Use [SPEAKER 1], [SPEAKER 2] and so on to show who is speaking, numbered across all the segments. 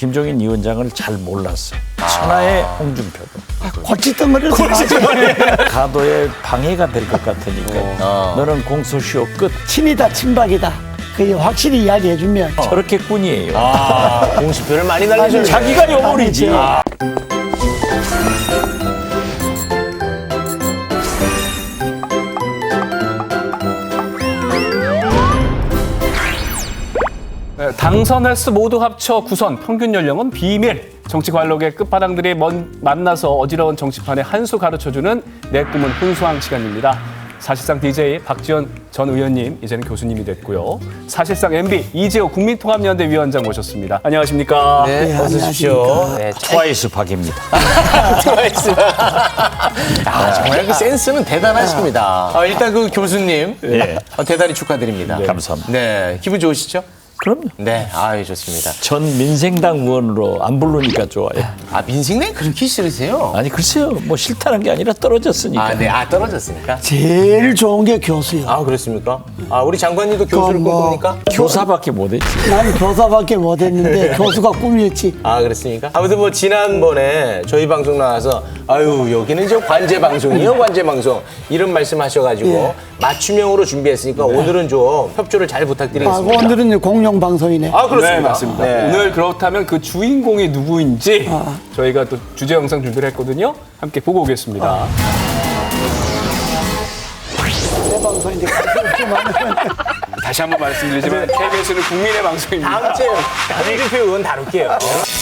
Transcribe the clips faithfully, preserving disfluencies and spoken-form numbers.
[SPEAKER 1] 김종인 위원장을 잘 몰랐어. 천하의 홍준표도.
[SPEAKER 2] 아, 골칫덩어리를
[SPEAKER 1] 가도에 방해가 될 것 같으니까 어. 너는 공소시효 끝.
[SPEAKER 2] 친이다 친박이다. 그게 확실히 이야기해주면
[SPEAKER 1] 어. 저렇게 꾼이에요.
[SPEAKER 3] 아, 공수표를 많이 날리죠.
[SPEAKER 1] 자기가 요물이지. 아.
[SPEAKER 4] 당선 횟수 모두 합쳐 구선, 평균 연령은 비밀. 정치 관록의 끝바닥들이 먼, 만나서 어지러운 정치판에 한 수 가르쳐주는 내 꿈은 혼수왕 시간입니다. 사실상 디제이 박지원 전 의원님, 이제는 교수님이 됐고요. 사실상 엠비 이재호 국민통합연대 위원장 모셨습니다. 안녕하십니까?
[SPEAKER 3] 네,
[SPEAKER 2] 네,
[SPEAKER 3] 어서 오십시오.
[SPEAKER 1] 네, 트와이스 박입니다.
[SPEAKER 3] 트와이스. 아, 정말 그 센스는 대단하십니다. 아, 일단 그 교수님,
[SPEAKER 1] 네.
[SPEAKER 3] 어, 대단히 축하드립니다.
[SPEAKER 1] 네, 감사합니다.
[SPEAKER 3] 네, 기분 좋으시죠?
[SPEAKER 1] 그럼요.
[SPEAKER 3] 네, 아유 좋습니다.
[SPEAKER 1] 전 민생당 의원으로 안 부르니까 좋아요.
[SPEAKER 3] 아, 민생당 그렇게 싫으세요?
[SPEAKER 1] 아니 글쎄요, 뭐 싫다는 게 아니라 떨어졌으니까.
[SPEAKER 3] 아, 네, 아 떨어졌으니까.
[SPEAKER 2] 제일 좋은 게 교수요.
[SPEAKER 3] 아, 그렇습니까? 아, 우리 장관님도 교수를
[SPEAKER 2] 뭐-
[SPEAKER 3] 꿈꿉니까?
[SPEAKER 1] 교사밖에 못했지.
[SPEAKER 2] 난 교사밖에 못했는데 교수가 꿈이었지.
[SPEAKER 3] 아, 그렇습니까? 아무튼 뭐 지난번에 저희 방송 나와서 아유 여기는 이제 관제 방송이요, 관제 방송 이런 말씀하셔가지고
[SPEAKER 2] 예.
[SPEAKER 3] 맞춤형으로 준비했으니까 오늘은 좀 협조를 잘
[SPEAKER 2] 아,
[SPEAKER 3] 부탁드리겠습니다.
[SPEAKER 2] 오늘은 이제 공영 방송이네.
[SPEAKER 3] 아, 그렇습니다.
[SPEAKER 4] 네, 맞습니다.
[SPEAKER 3] 네.
[SPEAKER 4] 오늘 그렇다면 그 주인공이 누구인지 저희가 또 주제 영상 준비를 했거든요. 함께 보고 오겠습니다.
[SPEAKER 2] 내 방송인데
[SPEAKER 4] 다시 한번 말씀드리지만 케이비에스는 국민의 방송입니다.
[SPEAKER 3] 다음 주에 홍준표 의원 다룰게요.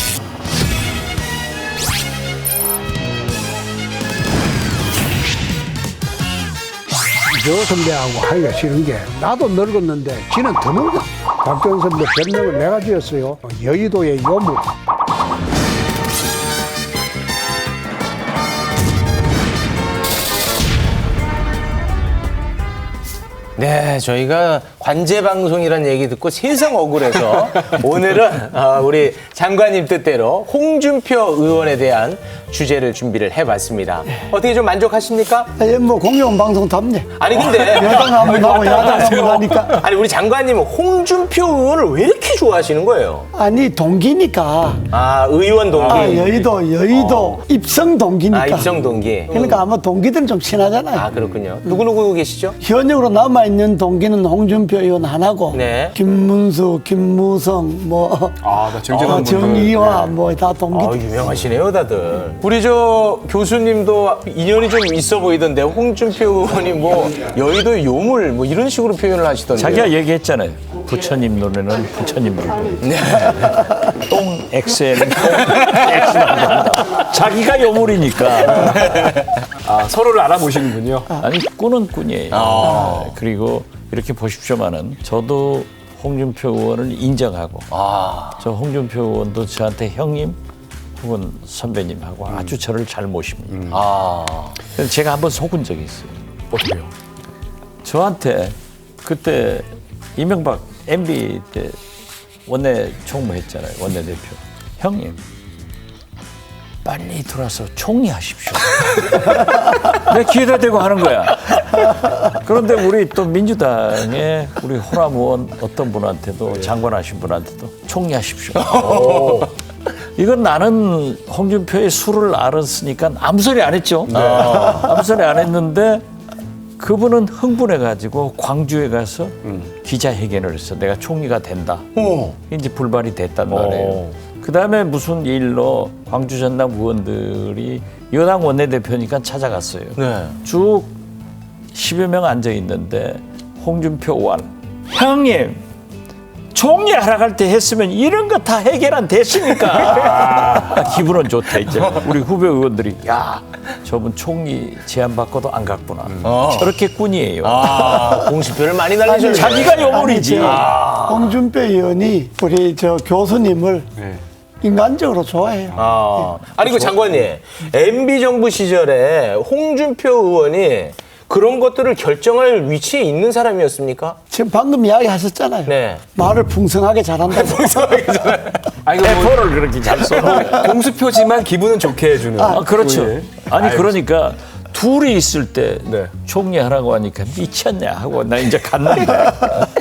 [SPEAKER 5] 저 선배하고 하기가 싫은 게 나도 늙었는데 지는 더 늙어. 박정선 선배 별명을 내가 지었어요. 여의도의 요물.
[SPEAKER 3] 네, 저희가 관제 방송이라는 얘기 듣고 세상 억울해서 오늘은 어, 우리 장관님 뜻대로 홍준표 의원에 대한 주제를 준비를 해봤습니다. 어떻게 좀 만족하십니까?
[SPEAKER 2] 예, 뭐 공영 방송답네.
[SPEAKER 3] 아니 근데
[SPEAKER 2] 여당 한번 하고 야당 한번 하니까.
[SPEAKER 3] 아니 우리 장관님은 홍준표 의원을 왜 이렇게 좋아하시는 거예요?
[SPEAKER 2] 아니 동기니까.
[SPEAKER 3] 아, 의원 동기.
[SPEAKER 2] 아, 여의도 여의도 입성 동기니까.
[SPEAKER 3] 아, 입성 동기.
[SPEAKER 2] 그러니까 아마 동기들은 좀 친하잖아요.
[SPEAKER 3] 아, 그렇군요. 누구누구 계시죠?
[SPEAKER 2] 현역으로 남아있는 동기는 홍준표 의원 하나고
[SPEAKER 3] 네.
[SPEAKER 2] 김문수, 김무성, 뭐
[SPEAKER 4] 아, 나 정재동
[SPEAKER 2] 어,
[SPEAKER 4] 분들.
[SPEAKER 2] 정의화 뭐 다 동기.
[SPEAKER 3] 아, 유명하시네요, 다들. 우리 저 교수님도 인연이 좀 있어 보이던데 홍준표 의원이 뭐 여의도 요물 뭐 이런 식으로 표현을 하시던데요.
[SPEAKER 1] 자기가 얘기했잖아요. 부처님 노래는 부처님 부르고
[SPEAKER 3] 네.
[SPEAKER 1] 똥 X에는 똥 X라고 한다. 자기가 요물이니까.
[SPEAKER 4] 아, 서로를 알아보시는군요.
[SPEAKER 1] 아니 꾼은 꾼이에요.
[SPEAKER 3] 아.
[SPEAKER 1] 그리고 이렇게 보십시오마는 저도 홍준표 의원을 인정하고
[SPEAKER 3] 아,
[SPEAKER 1] 저 홍준표 의원도 저한테 형님 혹은 선배님하고 아주 저를 잘 모십니다.
[SPEAKER 3] 아,
[SPEAKER 1] 그래서 제가 한번 속은 적이 있어요.
[SPEAKER 4] 어떻게요?
[SPEAKER 1] 저한테 그때 이명박 엠비 때 원내 총무했잖아요. 원내대표. 형님 빨리 들어와서 총리하십시오. 내 기회다 대고 하는 거야. 그런데 우리 또 민주당의 우리 호남 의원 어떤 분한테도 장관하신 분한테도 총리하십시오. 이건 나는 홍준표의 수를 알았으니까 아무 소리 안 했죠. 아무 소리 안 했는데 그분은 흥분해가지고 광주에 가서 기자회견을 했어. 내가 총리가 된다. 이제 불발이 됐단 말이에요. 그 다음에 무슨 일로 광주 전남 의원들이 여당 원내대표니까 찾아갔어요.
[SPEAKER 3] 네.
[SPEAKER 1] 쭉 십여 명 앉아 있는데 홍준표 의원 형님 총리 하러 갈 때 했으면 이런 거 다 해결 안 됐습니까? 아, 기분은 좋다 이제 우리 후배 의원들이 야 저분 총리 제안 받고도 안 갔구나.
[SPEAKER 3] 어.
[SPEAKER 1] 저렇게 꾼이에요.
[SPEAKER 3] 아, 공수표를 많이 날리셨네.
[SPEAKER 1] 자기가 요물이지.
[SPEAKER 2] 아니, 저 홍준표 의원이 우리 저 교수님을
[SPEAKER 4] 네.
[SPEAKER 2] 인간적으로 좋아해요.
[SPEAKER 3] 아, 아니 그 장관님, 엠비 정부 시절에 홍준표 의원이 그런 것들을 결정할 위치에 있는 사람이었습니까?
[SPEAKER 2] 지금 방금 이야기하셨잖아요.
[SPEAKER 3] 네.
[SPEAKER 2] 말을 풍성하게 잘한다.
[SPEAKER 4] 아, 이거 뭐
[SPEAKER 1] 대포를 그렇게 잘 써.
[SPEAKER 4] 공수표지만 기분은 좋게 해주는.
[SPEAKER 1] 아, 그렇죠.
[SPEAKER 4] 예.
[SPEAKER 1] 아니 그러니까 둘이 있을 때
[SPEAKER 4] 네.
[SPEAKER 1] 총리하라고 하니까 미쳤냐 하고 나 이제 갔는데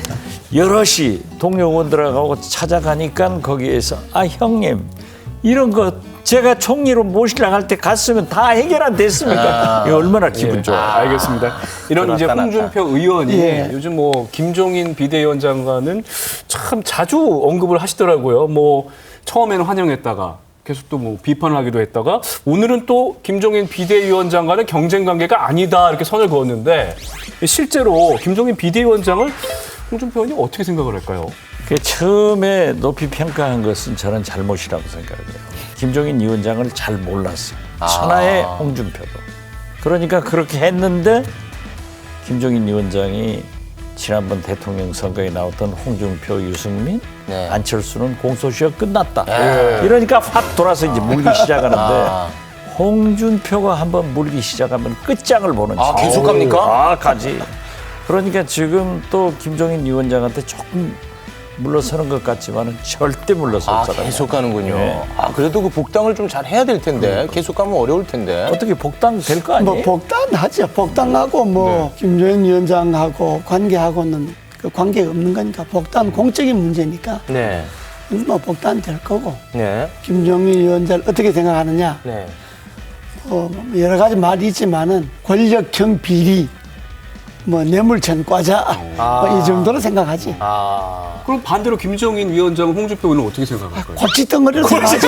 [SPEAKER 1] 여럿이 동료 의원들하고 찾아가니까 거기에서 아 형님 이런 거 제가 총리로 모시려고 할 때 갔으면 다 해결 안 됐습니까? 이거 얼마나 기분 좋아.
[SPEAKER 4] 아, 알겠습니다. 이런 이제
[SPEAKER 3] 나타났다.
[SPEAKER 4] 홍준표 의원이
[SPEAKER 2] 예.
[SPEAKER 4] 요즘 뭐 김종인 비대위원장과는 참 자주 언급을 하시더라고요. 뭐 처음에는 환영했다가 계속 또 뭐 비판을 하기도 했다가 오늘은 또 김종인 비대위원장과는 경쟁 관계가 아니다 이렇게 선을 그었는데 실제로 김종인 비대위원장을 홍준표 의원이 어떻게 생각을 할까요?
[SPEAKER 1] 그 처음에 높이 평가한 것은 저는 잘못이라고 생각해요. 김종인 위원장을 잘 몰랐어요. 천하의 홍준표도. 그러니까 그렇게 했는데 김종인 위원장이 지난번 대통령 선거에 나왔던 홍준표, 유승민,
[SPEAKER 3] 네.
[SPEAKER 1] 안철수는 공소시효 끝났다. 이러니까 확 돌아서 이제 물기 시작하는데
[SPEAKER 3] 아.
[SPEAKER 1] 홍준표가 한번 물기 시작하면 끝장을 보는
[SPEAKER 3] 아,
[SPEAKER 1] 지.
[SPEAKER 3] 계속 갑니까?
[SPEAKER 1] 아, 가지. 그러니까 지금 또 김종인 위원장한테 조금 물러서는 것 같지만은 절대 물러설
[SPEAKER 3] 아,
[SPEAKER 1] 사람이
[SPEAKER 3] 계속 가는군요.
[SPEAKER 1] 네.
[SPEAKER 3] 아, 그래도 그 복당을 좀 잘 해야 될 텐데. 계속 가면 어려울 텐데.
[SPEAKER 1] 어떻게 복당 될 거 아니에요?
[SPEAKER 2] 뭐 복당하죠. 복당하고 뭐 김종인 위원장하고 관계하고는 그 관계가 없는 거니까 복당 공적인 문제니까
[SPEAKER 3] 네.
[SPEAKER 2] 뭐 복당 될 거고
[SPEAKER 3] 네.
[SPEAKER 2] 김종인 위원장을 어떻게 생각하느냐
[SPEAKER 3] 네.
[SPEAKER 2] 어, 여러 가지 말이 있지만은 권력형 비리 뭐 뇌물천 과자 뭐 이 정도로 생각하지.
[SPEAKER 3] 아.
[SPEAKER 4] 그럼 반대로 김종인 위원장은 홍준표 의원은 어떻게 생각할까요?
[SPEAKER 2] 고치덩어리로 생각하지.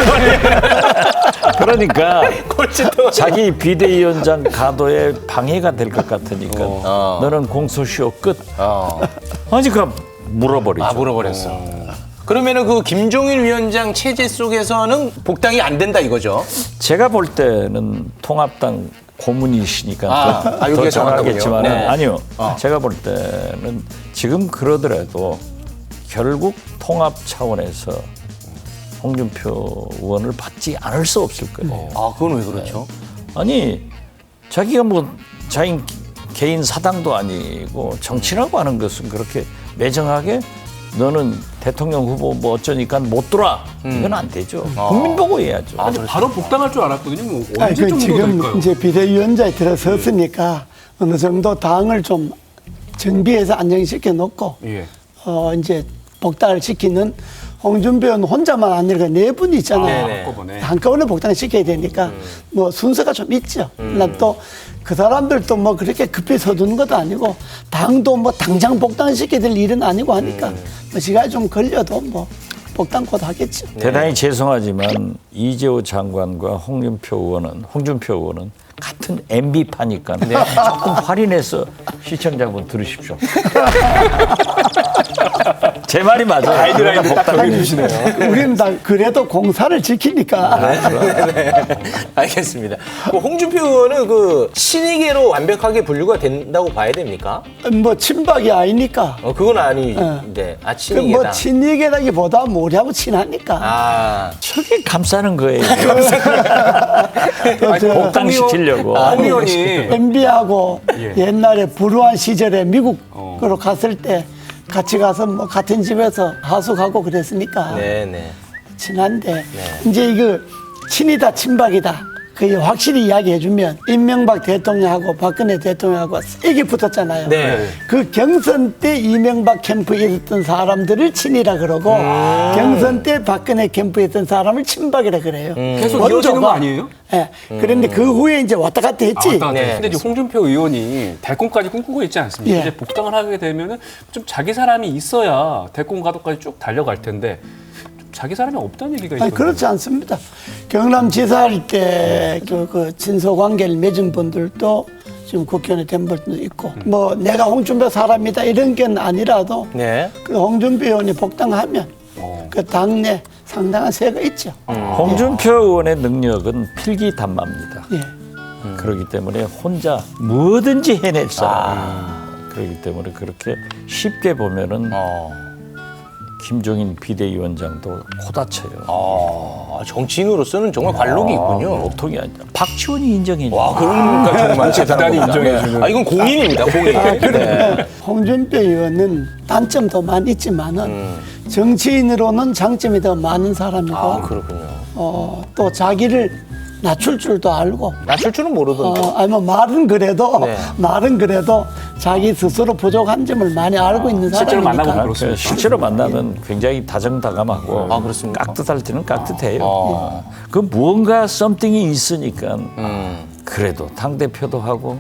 [SPEAKER 1] 그러니까 자기 비대위원장 가도에 방해가 될 것 같으니까
[SPEAKER 3] 어.
[SPEAKER 1] 너는 공소시효 끝.
[SPEAKER 3] 어.
[SPEAKER 1] 아니 그 물어버리죠.
[SPEAKER 3] 아, 물어버렸어. 그러면은 그 김종인 위원장 체제 속에서는 복당이 안 된다 이거죠?
[SPEAKER 1] 제가 볼 때는 통합당 고문이시니까
[SPEAKER 3] 아,
[SPEAKER 1] 더,
[SPEAKER 3] 아,
[SPEAKER 1] 더
[SPEAKER 3] 여기가
[SPEAKER 1] 잘 알겠지만
[SPEAKER 3] 정확하군요. 네.
[SPEAKER 1] 아니요.
[SPEAKER 3] 어.
[SPEAKER 1] 제가 볼 때는 지금 그러더라도 결국 통합 차원에서 홍준표 의원을 받지 않을 수 없을 거예요.
[SPEAKER 3] 아, 그건 왜 그렇죠?
[SPEAKER 1] 아니 자기가 뭐 자기 개인 사당도 아니고 정치라고 하는 것은 그렇게 매정하게 너는 대통령 후보 뭐 어쩌니까 못 돌아 이건 안 되죠. 국민 보고 해야죠.
[SPEAKER 4] 아니, 바로 복당할 줄 알았거든요. 뭐
[SPEAKER 2] 아니,
[SPEAKER 4] 언제
[SPEAKER 2] 그
[SPEAKER 4] 정도
[SPEAKER 2] 지금
[SPEAKER 4] 될까요?
[SPEAKER 2] 이제 비대위원장에 들어섰으니까 어느 정도 당을 좀 정비해서 안정시켜 놓고
[SPEAKER 4] 예.
[SPEAKER 2] 어 이제 복당을 시키는 홍준표 의원 혼자만 아니라 네 분이 있잖아요.
[SPEAKER 3] 네네.
[SPEAKER 4] 한꺼번에.
[SPEAKER 2] 한꺼번에 복당을 시켜야 되니까 뭐 순서가 좀 있죠. 나 또 그 사람들도 뭐 그렇게 급히 서두는 것도 아니고 당도 뭐 당장 복당시켜야 될 일은 아니고 하니까 뭐 시간이 좀 걸려도 뭐 복당 곧 하겠죠.
[SPEAKER 1] 대단히 죄송하지만 이재호 장관과 홍준표 의원은 홍준표 의원은 같은 엠비파니까 조금 할인해서 시청자분 들으십시오. 제 말이 맞아요.
[SPEAKER 4] 가이드라인을 딱 정해주시네요.
[SPEAKER 2] 우리는 다 그래도 공사를 지키니까.
[SPEAKER 3] 네. 알겠습니다. 그 홍준표 의원은 그 친이계로 완벽하게 분류가 된다고 봐야 됩니까?
[SPEAKER 2] 뭐 친박이 아니니까.
[SPEAKER 3] 어, 그건 아닌데. 아,
[SPEAKER 2] 그
[SPEAKER 3] 친이계다.
[SPEAKER 2] 뭐 친이계라기보다 뭐 우리하고 친하니까.
[SPEAKER 3] 아.
[SPEAKER 1] 저게 감싸는 거예요.
[SPEAKER 2] 또 저
[SPEAKER 1] 복당시키려고.
[SPEAKER 4] 홍 의원이
[SPEAKER 2] 엠비하고
[SPEAKER 4] 예.
[SPEAKER 2] 옛날에 불우한 시절에 미국으로 갔을 때 같이 가서 뭐 같은 집에서 하숙하고 그랬으니까
[SPEAKER 3] 네네.
[SPEAKER 2] 친한데 이제 이거 친이다 친박이다 그 확실히 이야기해주면 이명박 대통령하고 박근혜 대통령하고 세게 붙었잖아요.
[SPEAKER 3] 네.
[SPEAKER 2] 그 경선 때 이명박 캠프에 있었던 사람들을 친이라 그러고 경선 때 박근혜 캠프에 있던 사람을 친박이라 그래요.
[SPEAKER 4] 계속
[SPEAKER 2] 원조가.
[SPEAKER 4] 이어지는 거 아니에요?
[SPEAKER 2] 예. 그런데 그 후에 이제 왔다 갔다 했지.
[SPEAKER 4] 아,
[SPEAKER 3] 네.
[SPEAKER 4] 근데 이제 홍준표 의원이 대권까지 꿈꾸고 있지 않습니까?
[SPEAKER 2] 예.
[SPEAKER 4] 이제 복당을 하게 되면은 좀 자기 사람이 있어야 대권 가도까지 쭉 달려갈 텐데 좀 자기 사람이 없다는 얘기가 있어요.
[SPEAKER 2] 아니, 그렇지 않습니다. 경남지사 할 때 그, 그 친소 관계를 맺은 분들도 지금 국회의원이 된 분도 있고 뭐 내가 홍준표 사람이다 이런 게 아니라도
[SPEAKER 3] 네.
[SPEAKER 2] 그 홍준표 의원이 복당하면 그 당내 상당한 세가 있죠.
[SPEAKER 1] 홍준표 의원의 능력은 필기단마입니다.
[SPEAKER 2] 예.
[SPEAKER 1] 그렇기 때문에 혼자 뭐든지 해낼 사람. 그렇기 때문에 그렇게 쉽게 보면은
[SPEAKER 3] 어.
[SPEAKER 1] 김종인 비대위원장도 코다쳐요.
[SPEAKER 3] 아, 정치인으로서는 정말 관록이 있군요.
[SPEAKER 1] 보통이 아니라 박지원이 인정해.
[SPEAKER 3] 와, 그러니까 정말
[SPEAKER 4] 대단히 인정해주는.
[SPEAKER 3] 아, 이건 공인입니다, 공인. 네.
[SPEAKER 2] 홍준표 의원은 단점도 많이 있지만은 정치인으로는 장점이 더 많은 사람이고
[SPEAKER 3] 아, 그렇군요.
[SPEAKER 2] 어, 또 자기를 낮출 줄도 알고
[SPEAKER 3] 낮출 줄은 모르던데.
[SPEAKER 2] 어, 아니 뭐 말은 그래도
[SPEAKER 3] 네.
[SPEAKER 2] 말은 그래도 자기 스스로 부족한 점을 많이 알고 있는
[SPEAKER 4] 실제로
[SPEAKER 2] 사람이니까.
[SPEAKER 4] 만나보면
[SPEAKER 1] 그
[SPEAKER 4] 그렇습니다.
[SPEAKER 1] 실제로 만나면 굉장히 다정다감하고
[SPEAKER 3] 아, 그렇습니까?
[SPEAKER 1] 깍듯할 때는 깍듯해요.
[SPEAKER 3] 어.
[SPEAKER 1] 그 무언가 썸띵이 있으니까
[SPEAKER 3] 음.
[SPEAKER 1] 그래도 당 대표도 하고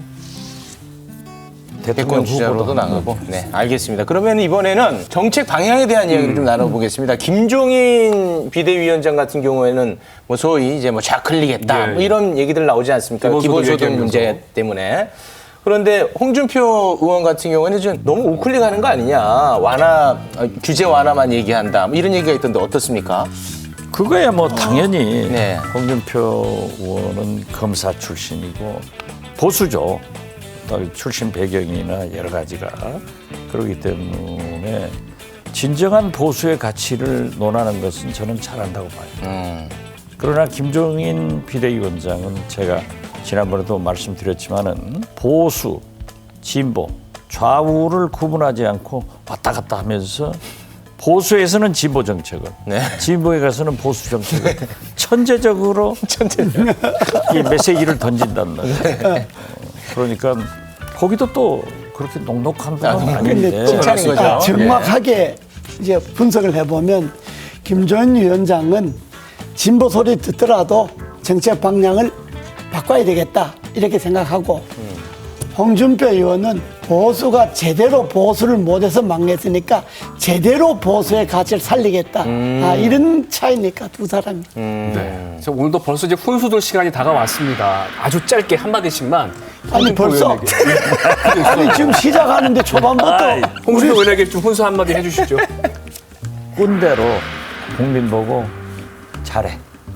[SPEAKER 3] 대권
[SPEAKER 1] 대통령
[SPEAKER 3] 주자로도
[SPEAKER 1] 후보도
[SPEAKER 3] 나가고. 네, 알겠습니다. 그러면 이번에는 정책 방향에 대한 이야기를 좀 나눠보겠습니다. 김종인 비대위원장 같은 경우에는 뭐 소위 이제 뭐 좌클릭했다
[SPEAKER 4] 네.
[SPEAKER 3] 뭐 이런 얘기들 나오지 않습니까?
[SPEAKER 4] 기본소득
[SPEAKER 3] 기본소득
[SPEAKER 4] 얘기하면서.
[SPEAKER 3] 문제 때문에. 그런데 홍준표 의원 같은 경우에는 좀 너무 우클릭하는 거 아니냐? 완화 어, 규제 완화만 얘기한다. 뭐 이런 얘기가 있던데 어떻습니까?
[SPEAKER 1] 그거야 뭐 당연히
[SPEAKER 3] 네.
[SPEAKER 1] 홍준표 의원은 검사 출신이고 보수죠. 또 출신 배경이나 여러 가지가 그렇기 때문에 진정한 보수의 가치를 논하는 것은 저는 잘한다고 봐요.
[SPEAKER 3] 음.
[SPEAKER 1] 그러나 김종인 비대위원장은 제가 지난번에도 말씀드렸지만은 보수, 진보, 좌우를 구분하지 않고 왔다 갔다 하면서 보수에서는 진보 정책을,
[SPEAKER 3] 네.
[SPEAKER 1] 진보에 가서는 보수 정책을 천재적으로 이 메시지를 던진단 말이에요. 어, 그러니까 거기도 또 그렇게 녹록한 분은
[SPEAKER 3] 아,
[SPEAKER 1] 아닌데
[SPEAKER 2] 근데
[SPEAKER 3] 칭찬인 거죠.
[SPEAKER 2] 아, 정확하게 이제 분석을 해보면 김종인 위원장은 진보 소리 듣더라도 정책 방향을 바꿔야 되겠다 이렇게 생각하고 홍준표 의원은 보수가 제대로 보수를 못해서 망했으니까 제대로 보수의 가치를 살리겠다. 아, 이런 차이니까 두 사람이.
[SPEAKER 4] 네. 그래서 오늘도 벌써 이제 훈수들 시간이 다가왔습니다. 아주 짧게 한 마디씩만.
[SPEAKER 2] 아니
[SPEAKER 4] 홍준표
[SPEAKER 2] 벌써
[SPEAKER 4] 의원에게.
[SPEAKER 2] 아니 지금 시작하는데 초반부터
[SPEAKER 1] 아이,
[SPEAKER 4] 홍준표 의원에게 좀 훈수 한 마디 해주시죠.
[SPEAKER 1] 꾼대로 국민 보고 잘해.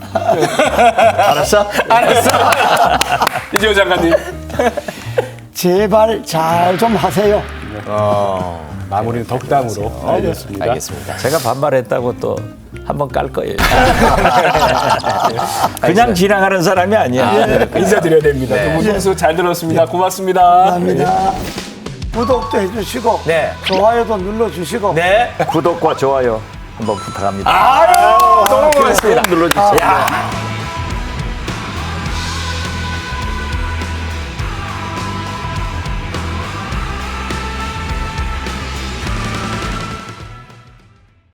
[SPEAKER 1] 알았어?
[SPEAKER 3] 알았어.
[SPEAKER 4] 이재호 장관님.
[SPEAKER 2] 제발 잘 좀 하세요.
[SPEAKER 3] 어,
[SPEAKER 4] 마무리는 덕담으로 알겠습니다.
[SPEAKER 3] 알겠습니다.
[SPEAKER 1] 제가 반말했다고 또 한 번 깔 거예요. 그냥 지나가는 사람이 아니야.
[SPEAKER 4] 인사드려야 됩니다.
[SPEAKER 3] 네.
[SPEAKER 4] 두 분 훈수 잘 들었습니다. 고맙습니다.
[SPEAKER 2] 감사합니다. 구독도 해주시고
[SPEAKER 3] 네.
[SPEAKER 2] 좋아요도 눌러주시고
[SPEAKER 3] 네.
[SPEAKER 1] 구독과 좋아요 한번 부탁합니다.
[SPEAKER 3] 아유, 너무 고맙습니다.
[SPEAKER 1] 눌러주세요.
[SPEAKER 3] 야.